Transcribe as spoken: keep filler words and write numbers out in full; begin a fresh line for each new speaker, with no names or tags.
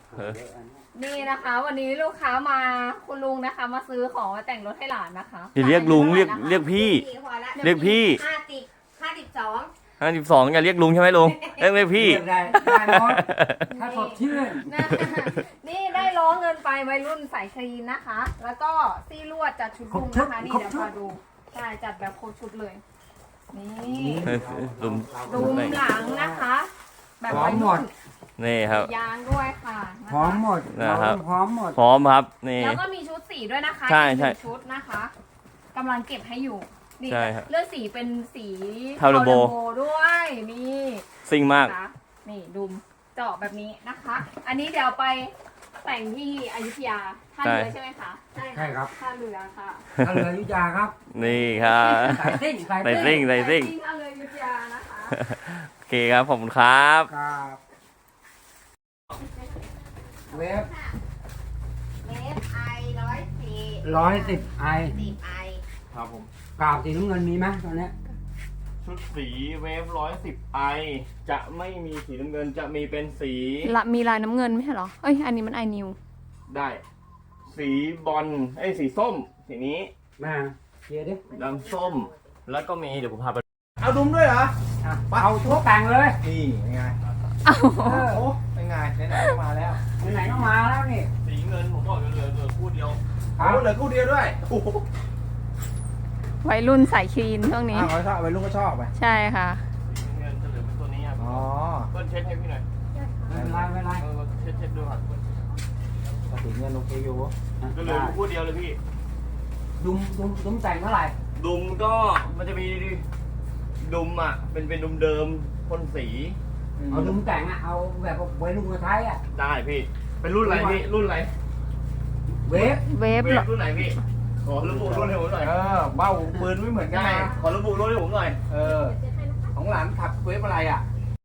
นี่นะคะวันนี้ลูกค้ามาคุณลุงนะคะ มาซื้อของมาแต่งรถให้หลานนะคะ
อย่าเรียกลุงเรียกเรียกพี่ เรียกพี่
ห้าสิบห้าสิบสอง
ห้าสิบสองอย่าเรียกลุงใช่ไหมลุงเรียกเรียกพี่
ได้ได้หมดถ้าสดชื่น
นะนี่ได้ล้อเงินไปวัยรุ่นสายคลีนนะคะ แล้วก็ซี่ลวดจัดชุดลุงนะคะนี่เดี๋ยวมาดูใช่จัดแบบโคตรชุดเลยนี่
ลุง
ดุมหลังนะคะ แบบวัยรุ่น
นี่ครับ
ยางด้วยค่ะนะคะ
พร้อมหมด
นะครับ
พร้อมหมด
พร้อมครับนี่
แล้วก็มีชุดสีด้วยนะคะ
ใช่ใช่
อีกหนึ่งชุดนะคะกำลังเก็บให้อยู่นี่
ใช่ครับ
เลือกสีเป็นสี
เทาเรโบ
ด้วยนี่
ซิ่งมาก
นะคะนี่ดุมเจาะแบบนี้นะคะ อันนี้เดี๋ยวไปแต่งที่อยุธยาท่าเรือใช่ไหมคะใช่
ใช่ครับ
ท่าเรือค่ะ
ถ้าเหลืออยุธยาครับ
นี่ครับ
ใส่ซิ่งใส่
ใส่ซิ่
ซิ่
ง
ง
ใส่ซิ่ง
ท่าเรืออยุธยานะคะ
โอเคครับขอบคุณครับ
ครับเวฟ
เมฟไอร้อยสี่
ร้อยสิบไอ
สิบไอ
ครับผม
กราบสีน้ำเงินมีไหมตอนเนี้ย
ชุดสีเวฟร้อยสิบไอจะไม่มีสีน้ำเงินจะมีเป็นสี
ละมีลายน้ำเงินไม่ใช่เหรอเอ้ยอันนี้มันไอนิว
ได้ สีบอลไอ้ยสีส้ม สีนี้
มาเคลียร์ดิ
ดำส้ม แล้วก็มีเดี๋ยวผมพาไปเอาดุมด้วยเหรอ
อ่ะเอาทุกแต่งเลย
นี่เป็นไง
อ้าว
เออ
โอ้เป็นไงไหนๆก็มาแล้ว
ไหนๆก็มาแล้วนี่
สีเงินผมบอกเหลือเหลือเหลือคู่เดียว
ครั
โอ้
บ
เหลือคู่เดียวด้วยโอ้โห
วัยรุ่นสายคลีนช่วงนี้
อ้าวเขาชอบไปลูกก็ชอบไป
ใช่ค่ะ
สีเงินจะเหลือเป็นตัวนี้ครับ
อ๋อ
เปิ้ลเช็ดให้พี่หน่อย
ไม่เป็นไรไม่เป็นไร
เออเช็ดเช็ดดูครับ
ปกติเงินโอเคอยู่
ก็เหลืออยู่คู่เดียวเลยพี่
ดุมดุมดุมแต่งเท่าไหร่
ดุมก็มันจะมีดุมอ่ะ เป็นเป็นดุมเดิมพ่นสี
เอาดุมแต่งอ่ะเอาแบบวัยรุ่นมาใช้อ่ะ
ได้พี่ เป็นรุ่นอะไรพี่ รุ่นอะไร
เวฟ
เวฟ
เวฟรุ่นไหนพี่ ขอระบุรุ่นให้ผมหน่อย
เออเบ้าปืนไม่เหมือนกัน
ได้
นะ
ขอระบุรุ่นให้ผมหน่อย
เออของหลานขับเวฟอะไรอ่ะ